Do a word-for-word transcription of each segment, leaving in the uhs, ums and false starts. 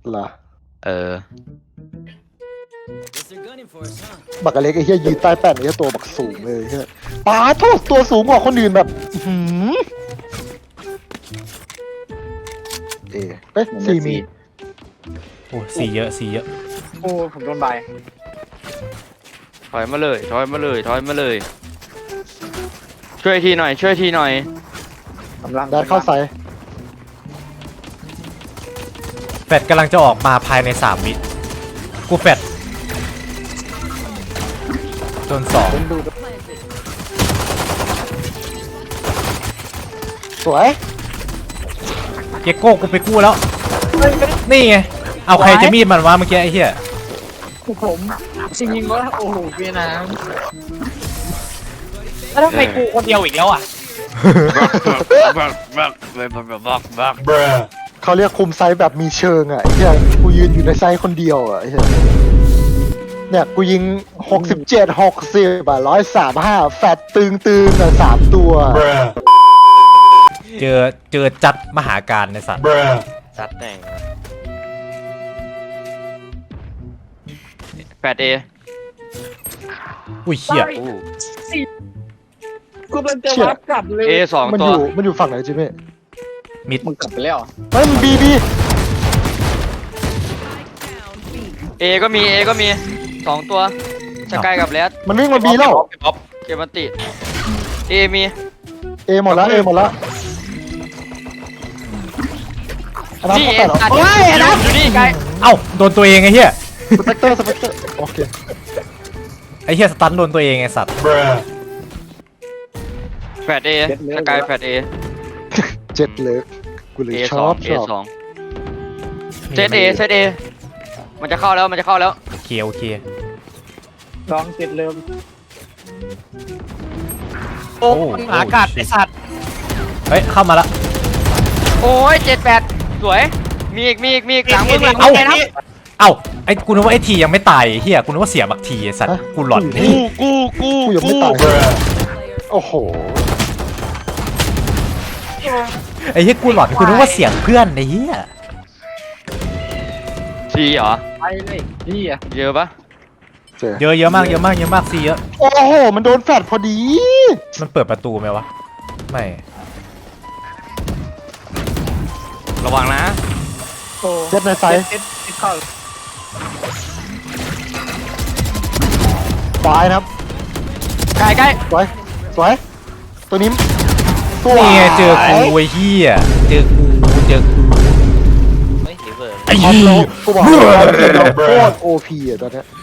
เหรอเออบักกะเล็กไอ้เหี้ยยืนใต้แป้นไอ้เหี้ยตัวบักสูงเลยเหี้ยป้าโทษตัวสูงกว่าคนอื่นแบบหืมเอ๊ะเอ๊ะสี่มีโอ้สีเยอะสีเยอะโอ้ผมโดนใบถอยมาเลยถอยมาเลยถอยมาเลย ช่วยทีหน่อย ช่วยทีหน่อยกำลังได้เข้าใส่แฟดกำลังจะออกมาภายในสามวิกูแฟดโดนสองผมดูสวยเกโก้กูไปกู้แล้วนี่ไงเอาใครจะมีดมันวะเมื่อกี้ไอ้เหี้ยผมจริงๆว่าโอ้โหเวียดนามแล้วทำไมกูคนเดียวอีกแล้วอ่ะเขาเรียกคุมไซส์แบบมีเชิงอ่ะไอ้เหี้ยกูยืนอยู่ในไซส์คนเดียวอ่ะไอ้เหี้ยเนี่ยกูยิงหกสิบเจ็ด หกสิบอ่ะร้อยสามห้าแฟตตึงตึงอ่ะสามตัวเจอเจอจัดมหาการในสัตว์จัดแต่งแปดเออุ้ยเหี้ยกูเป็นจะรับกลับเลยเอสองมันตัอวยู่มันอยู่ฝั่งไหนจิเม่มิดมึงกลับไปแล้วเฮ้ยมันบีบีเอก็มีเอก็มีสองตัวสกายกับแรดมันวิ่งมาบีแล้วป๊อปเกมมันติเอมีเอหมดแล้วเอหมดแล้วอันนั้นนี่เขาเอแปดเหรอตัดเฮ้ยอยู่นะอยู่นี่ไกลเอ้าโดนตัวเองไอ้เหี้ยสเปกเตอร์สเปกเตอร์โอเคไอ้เหี้ยสตันโดนตัวเองไอ้สัตว์แปดเอสกายแปดเอเจ็ดเลยกูเลยเอชสออง บเอชอบสองเซตเอเซตเอมันจะเข้าแล้วมันจะเข้าแล้วโอเคโอเคลองเจ็ดเริ่มโอ้มหากัดไอ้สัตว์เฮ้ยเข้ามาละโอ้ยเจ็ดแปดสวยมีอีกมีอีกมีอีกหลังมึงหลังเอ้ามึงนะเอ้าไอ้กูนึกว่าไอ้ทียังไม่ตายไอ้เหี้ยกูนึกว่าเสียบักทีไอ้สัตว์กูหลอนกูกูกูกูยังไม่ตายโอ้โหไอ้เหี้ยกูหลอนกูนึกว่าเสียงเพื่อนไอ้เหี้ยซีเหรอไปเลยพี่อ่ะเยอะปะเจอเยอะเยอะมากเยอะมากเยอะมากซีเยอะโอ้โหมันโดนแฟดพอดีมันเปิดประตูไหมวะไม่ระวังนะโอ้เจ็ดในไซส์เจ็ดเจ็ดเข้าควายนะครับใกล้ใกล้สวยสวยตัวนี้ตัวนี่ไงเจอกูไอ้เหี้ยเจอกูเจอกูไม่เห็นเลยไอ้ออฟเหี้โรยดกูบอกว่าเราโคตรโอพีอ่ะตอนเนี้ย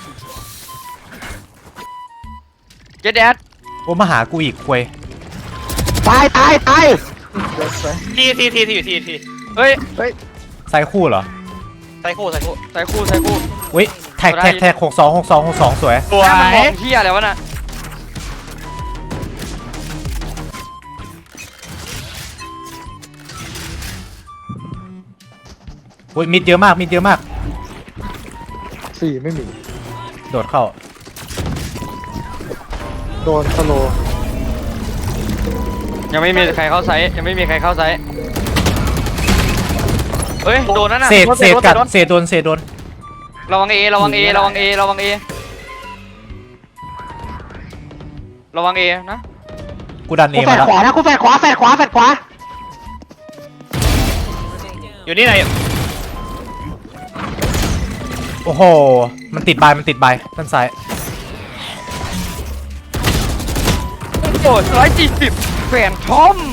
เจ็ดแดดโอ้มาหากูอีกควยตายตายตายทีทีทีทีอยู่ทีทีเฮ้ยไซคู่เหรอไซโคไซโคใส่คู่ใส่คู่อุ้ยแท็กแท็กแท็กหกสองหกสองหกสองสวยสวหน้ามันมยองเที่ยอะไรวะน่ะอุ้ยมิดเยอะมากมิดเยอะมากสี่ไม่มีโดดเข้าโดนสโลว์ยังไม่มีใครเข้าไซส์ยังไม่มีใครเข้าไซส์เฮ้ยโดนนั่นน่ะเศษเศษกัดโดนเศษโดนเศษโดนระวังเอระวังเอระวังเอระวังเอระวังเอนะกูดันเอกูแฟมาดแล้วขวานะกูแฟดขวาแฟดขวาแฟดขวาอยู่นี่ไหนโอ้โหมันติดบายมันติดบายด้านซ้ายโอ้ร้อยสี่สิบแฟนทอม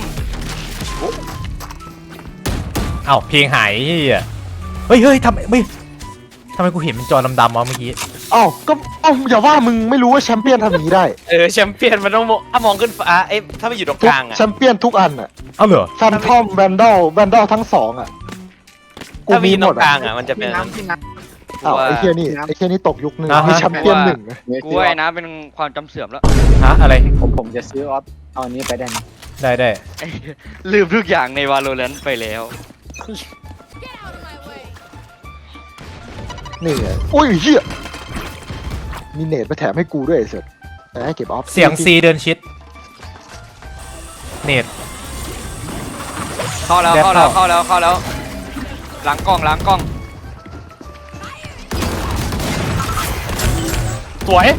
เอ้าเพลงหายเฮียเฮ้ยเฮ้ยทำไมไม่ทำไมกูเห็นเป็นจอดำๆวะเมื่อกี้เอ้าก็เอ้าอย่าว่ามึงไม่รู้ว่าแชมเปี้ยนทำอย่างนี้ได้เออแชมเปี้ยนมันต้องมองถ้ามองขึ้นฟ้าเอ้ยถ้าไปอยู่ตรงทุกกลางอ่ะแชมเปี้ยนทุกอันอ่ะเอ้าเหรอแฟนทอมแวนดอลแวนดอลทั้งสองอ่ะกูถ้าไปมีอยู่หตมรดงกลาอ่ะงอ่ะมันจะเป็พี่นน้ำพี่น้เอ้าไอ้เคียนี่ไอ้เคียนี่ตกยุคนึงอ่าฮะมีแชมเปี้ยนหนึ่งอะำกูว่าไอ้นะเป็นความจำเสื่อมแล้วฮะอะไรผมผมจะซื้อออฟเอาอันนี้ไปได้ไหมได้ได้ไอ้ลืมทุกอย่างใน Valorant ไปแล้วนี่ไงอุ้ยเฮียมีเนตไปแถมให้กูด้วยไอ้เสร็จแต่ให้เก็บออฟเสียงซีเดินชิดเนตเข้าแล้วแดดเข้าแล้วเข้าเข้าแล้วเข้าแล้ว หลังกล้องหลังกล้องสวย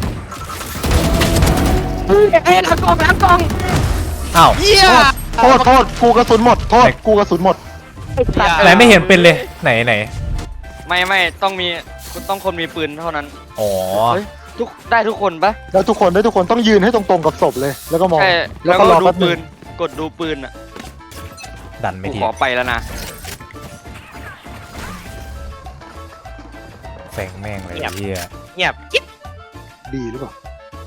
เอ้ยหลังกล่องหลังกล่องอ้าวเยี่ยโทษโทษกูกระสุนหมดโทษกูกระสุนหมดอะไรไม่เห็นเป็นเลยไหนไหนไม่ไม่ต้องมีต้องคนมีปืนเท่านั้นอ๋อเฮ้ยทุกได้ทุกคนปะแล้วทุกคนได้ทุกคนต้องยืนให้ตรงๆกับศพเลย แล้วก็มองใช่แล้แล้ว วก็ก็รอดูแป๊บนึปืงนกดดูปืนอ่ะดันไม่กูทีขอไปแล้วนะแฝงแม่งเลยไอ้เฮียเงียบกิ๊บดีหรือเปล่า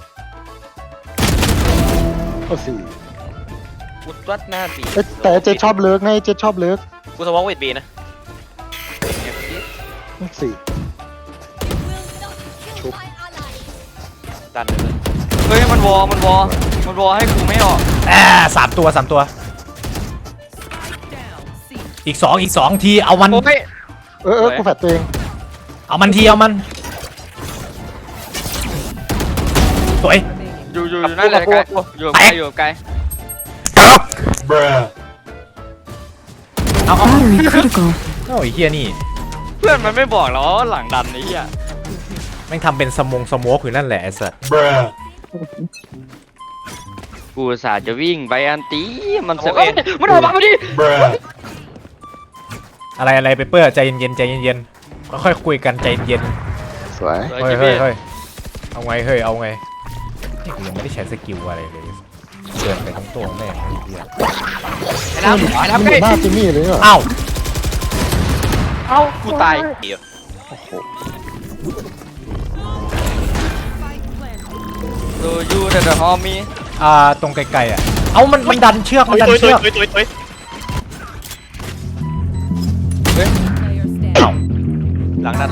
เอาสี่กูตัดหน้าสีเอ้ยแต่เจ๊ชอบเลิกไงเจ๊ชอบเลิกกูสวอปเวทบีนะสี่ดันเลยเฮ้ยมันวอมันวอมันวอให้กูไม่ออกอ่าสามตัวสามตัว อีกสองอีกสองทีเอามันโอ้ยเออเออกูแฟดตัวเองเอามันทีเอามันสวยอยู่อยู่อยู่นั่นแหละไกลอยู่ไกลอยู่ไกลเอาเอา Battery critical. โอ้ยเฮียนี่เพื่อนมันไม่บอกหรอว่าหลังดันไอ้เหี้ยแม่งทำเป็นสมงสโมกอยู่นั่นแหละไอ้สัสกูอุตสาห์จะวิ่งไปอันตีมันเสียเอ้ยมันออกมาพอดีอะไรอะไรไปเปื้อใจเย็นๆใจเย็นๆค่อยๆคุยกันใจเย็นสวยๆเฮ้ยเฮ้ยเฮ้ยเอาไงเฮ้ยเอาไงนี่กูยังไม่ได้ใช้สกิลอะไรเลยเดินไปทั้งตัวแม่งไอ้เหี้ยไอ้น้ำไอ้มันน้ำอยู่ใกล้หน้าจิมมี่เลยเหรออ้าวเอ้ากูตายเดี๋ยวโอ้โหดูยูเดอะฮอมีอ่าตรงไกลๆอ่ะเอามันมันดันเชือกมันดันตุยตุเชืยอกตุยตุยตุยอ้าวหลังนั้น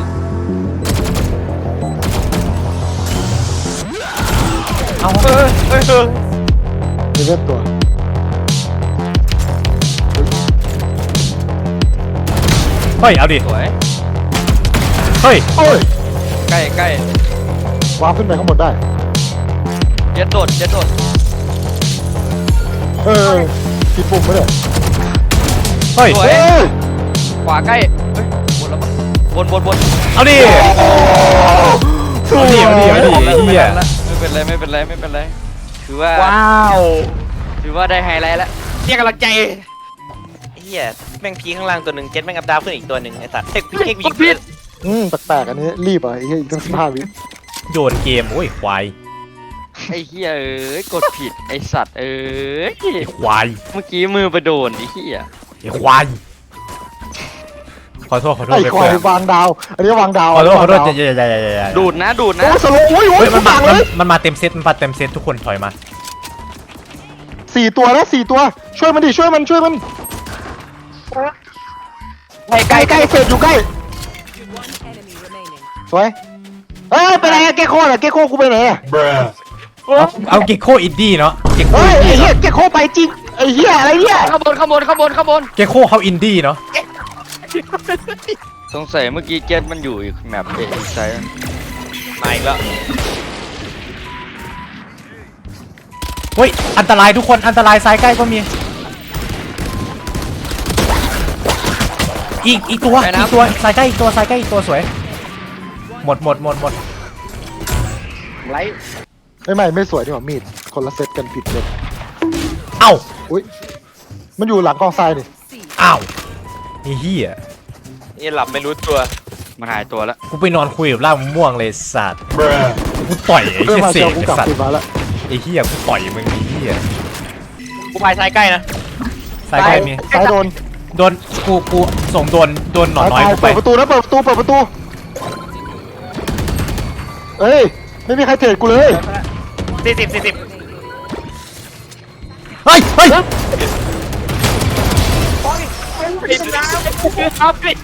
เอาเฮ้ยเฮ้ยเฮ้ยมีเลือดตัวเฮ้ยเอาดิสวยเฮ้ยโอ้ยใกล้ใกล้วาร์ปขึ้นไปข้างบนได้เย็ดโดดเย็ดโดดเออผิดปุ่มไม่ได้เฮ้ยสวยเอ้ยขวาใกล้เฮ้ยบนแล้วปะบนบนบนเอาดิเอาดิเอาดิเอาดิไอ้เหี้ยไม่เป็นไรไม่เป็นไรไม่เป็นไรถือว่าว้าวถือว่าได้ไฮไลท์แล้วเรียกกำลังใจเฮียแม่งพีข้างล่างตัวหนึ่งเจ็ตแม่งอัพดาวขึ้นอีกตัวหนึ่งไอ้สัตว์เทคพีเทคพีผิดอืมแปลกๆอันนี้รีบอ่ะไอ้เหี้ยอีกตั้งสิบห้าวิโยนเกมโอ้ยควายไอ้เหี้ยเอ้ยกดผิดไอ้สัตว์เอ้ยไอ้ควายเมื่อกี้มือไปโดนไอ้เหี้ยไอ้ควายขอโทษขอโทษไอ้ไปควาเปิยดวางดาว อันนี้วางดาวขอโทษขอโทษวางอย่าดาวอย่าอย่าอย่าอย่าดูดนะดูดนะโอ้ยสโลว์โอ้ยโอ้เฮ้ยยมันต่ามางเลมันยมันมาเต็มเซตมันมาเต็มเซตทุกคนถอยมาสี่ตัวนะสี่ตัว ช่วยมันดิช่วยมันช่วยมันใกล้ใกล้ใกล้เฟดอยู่ใกล้สวยเฮ้ยไปไหนอะเกโคน่ะเกโคกูไปไหนอะเอาเอาเกโคอินดี้เนาะเกโคเฮ้ยอินไอ้ดี้เหี้ยเนาะเกโคไปจริงไอ้เหี้ยอะไรเนี่ยข้างบนข้างบนข้างบนข้างบนเกโคเขาอินดี้เนาะสงสัยเมื่อกี้เจ็ตมันอยู่อีกแมปเอกไซด์มาอีกแล้วเฮ้ยอันตรายทุกคนอันตรายซ้ายใกล้ก็มีอีกอีกตัวอีกตัวซ้ายใกล้อีกตัวซ้ายใกล้อีกตัวสวยหมดหมดหมดหมดไลท์ไม่ไม่ไม่สวยดีกว่ามีดคนละเซตกันผิดเลยเอ้าอุ้ยมันอยู่หลังกองทรายนี่อ้าวไอ้เหี้ยนี่หลับไม่รู้ตัวมันหายตัวแล้วกูไปนอนคุยกับล่ามะม่วงเลยสัตว์กูต่อยไอ้เพื่อเหี้ยมาเสเจอก กูไอ้กลับสัตคืนว์มาแล้วไอ้เหี้ยกูต่อยมึงไอ้เหี้ยกูพายซ้ายใกล้นะซ้ายใกล้มีซ้ายโดนโดนกูกูส่งโดนโดนหนอนน้อยซ้ายกูไปเปิดประตูนะเปิดประตูเปิดประตูเอ้ยไม่มีใครเทรดกูเลยสี่สิบสี่สิบเฮ้ยเฮ้ยผิดแล้วครับผิด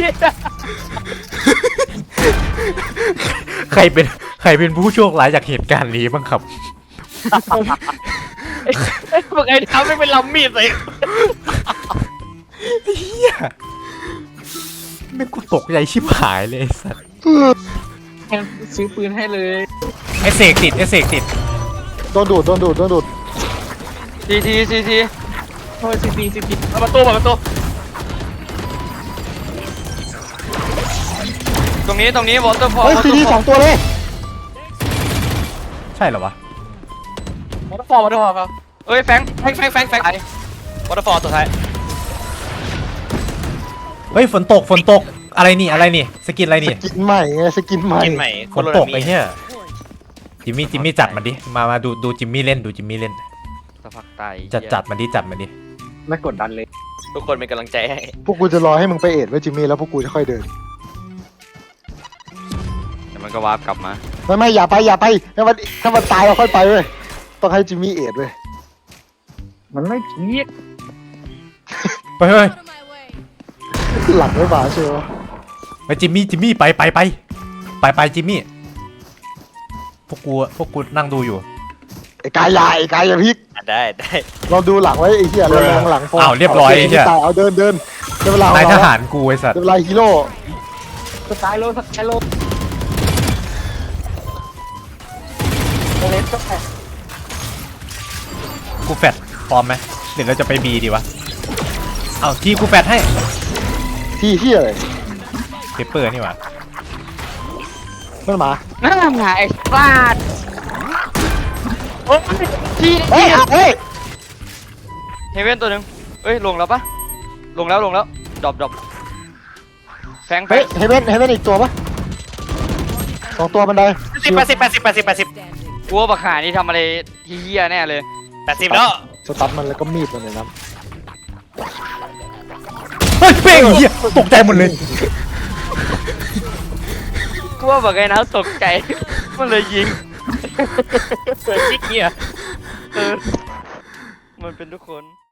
ใครเป็นใครเป็นผู้โชคร้ายจากเหตุการณ์นี้บ้างครับไอ้พวกไอ้ทำไม่เป็นลำมีดเลยเหี้ยไม่กูตกใจชิบหายเลยไอ้สัตว์ซื้อปืนให้เลยไอเสกติดไอเสกติดโดนดูดโดนดูดโดนดูดทีทีทีทีโอ้ยสิบปีสิบปีเปิดประตูเปิดประตูตรงนี้ตรงนี้วอเตอร์ฟอลเฮ้ยซีดีสองตัวเลยใช่เหรอวะวอเตอร์ฟอลวอเตอร์ฟอลครับเอ้ยแฟงแฟงแฟงแฟงแฟงวอเตอร์ฟอลตัวท้ายเฮ้ยฝนตกฝนตกอะไรนี่อะไรนี่สกินอะไรนี่สกินใหม่ไงสกินใหม่กินใหม่ฝนตกไอ้เหี้ยจิมมี่จิมมี่จัดมันดิมามาดูดูจิมมี่เล่นดูจิมมี่เล่นสักพักตายจัดจัดมันดิจัดมันดิไม่กดดันเลยทุกคนเป็นกำลังใจให้พวกกูจะรอให้มึงไปเอ็ดไว้จิมมี่แล้วพวกกูจะค่อยเดินเดี๋ยวมันก็วาร์ปกลับมาไม่ไม่อย่าไปอย่าไปถ้ามันถ้ามันตายเราค่อยไปเว้ยต้องให้จิมมี่เอ็ดเว้ยมันไม่พีคเฮ้ยเฮ้ยหลังไม่มาเชียวไปจิมมี่จิมมี่ไปไปไปไปไปจิมมี่พวกกูพวกกูนั่งดูอยู่ไอ้กายใหญ่ไอ้กายอย่าพลิกอ่ะได้ได้เราดูหลังไว้ไอ้เหี้ยเรามองหลังพออ้าวเรียบร้อยไอ้เหี้ยตายเอาเดินเดินเดี๋ยวเวลานายทหารกูไอ้สัตว์เดี๋ยวเวลาฮีโร่สไตล์โลสไตล์โลเลสก็แพ้กูแฟดพร้อมไหมเดี๋ยวเราจะไปบีดีวะเอาที่กูแฟดให้ที่ที่อะไรเปเปอร์นี่หว่ามันมาน่าหงายฟาดโอ้ยที่เฮ้ยเฮ้ยเฮเว่นตัวหนึ่งเอ้ยลงแล้วปะลงแล้วลงแล้วดรอปดรอปแฟงแฟเฮ้ยงเฮเว่นเฮเว่นอีกตัวปะสองตัวบันไดสิบแปดสิบแปดสิบแปดสิบแปดสิบกลัวบักหานี่ทำอะไรเฮี้ยแน่เลยแปดสิบแล้วสตัดมันแล้วก็มีดมันเลยนะเฮ้ยเป้งเหี้ยตกใจหมดเลยกลัวบักไงนะตกใจมันเลยยิงเกิดจิ๊กเนี่ยเออมันเป็นทุกคน